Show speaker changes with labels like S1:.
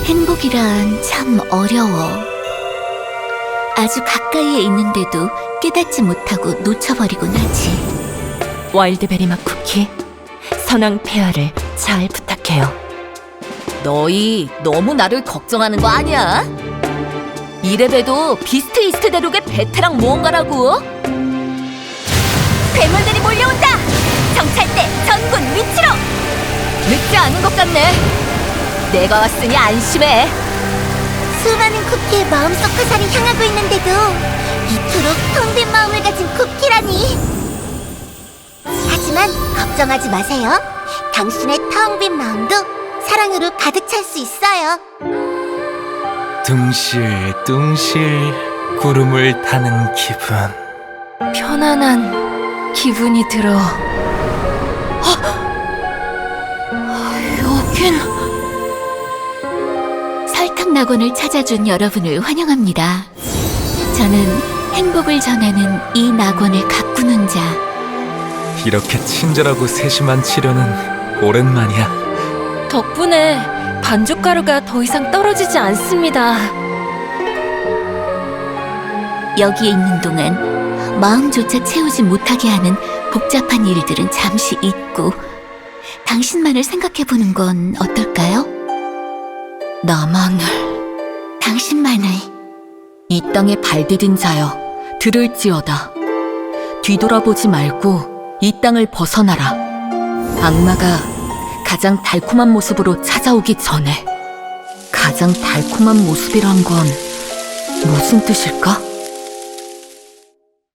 S1: 행복이란 참 어려워. 아주 가까이에 있는데도 깨닫지 못하고 놓쳐버리곤 하지.
S2: 와일드베리 맛 쿠키, 선왕 폐하를 잘 부탁해요. 너희 너무 나를 걱정하는 거 아니야? 이래봬도 비스트 이스트 대륙의 베테랑 모험가라고. 괴물들이 몰려온다! 정찰대 전군 위치로! 늦지 않은 것 같네. 내가 왔으니 안심해.
S1: 수많은 쿠키의 마음속 화살이 향하고 있는데도 이토록 텅 빈 마음을 가진 쿠키라니. 하지만 걱정하지 마세요. 당신의 텅 빈 마음도 사랑으로 가득 찰 수 있어요.
S3: 둥실둥실 구름을 타는 기분.
S2: 편안한 기분이 들어. 여긴
S1: 설탕 낙원을 찾아준 여러분을 환영합니다. 저는 행복을 전하는 이 낙원을 가꾸는 자.
S3: 이렇게 친절하고 세심한 치료는 오랜만이야.
S2: 덕분에 반죽가루가 더 이상 떨어지지 않습니다.
S1: 여기에 있는 동안 마음조차 채우지 못하게 하는 복잡한 일들은 잠시 잊고 당신만을 생각해보는 건 어떨까요?
S2: 나만을.
S1: 당신만을.
S2: 이 땅에 발디딘 자여 들을지어다. 뒤돌아보지 말고 이 땅을 벗어나라. 악마가 가장 달콤한 모습으로 찾아오기 전에. 가장 달콤한 모습이란 건 무슨 뜻일까?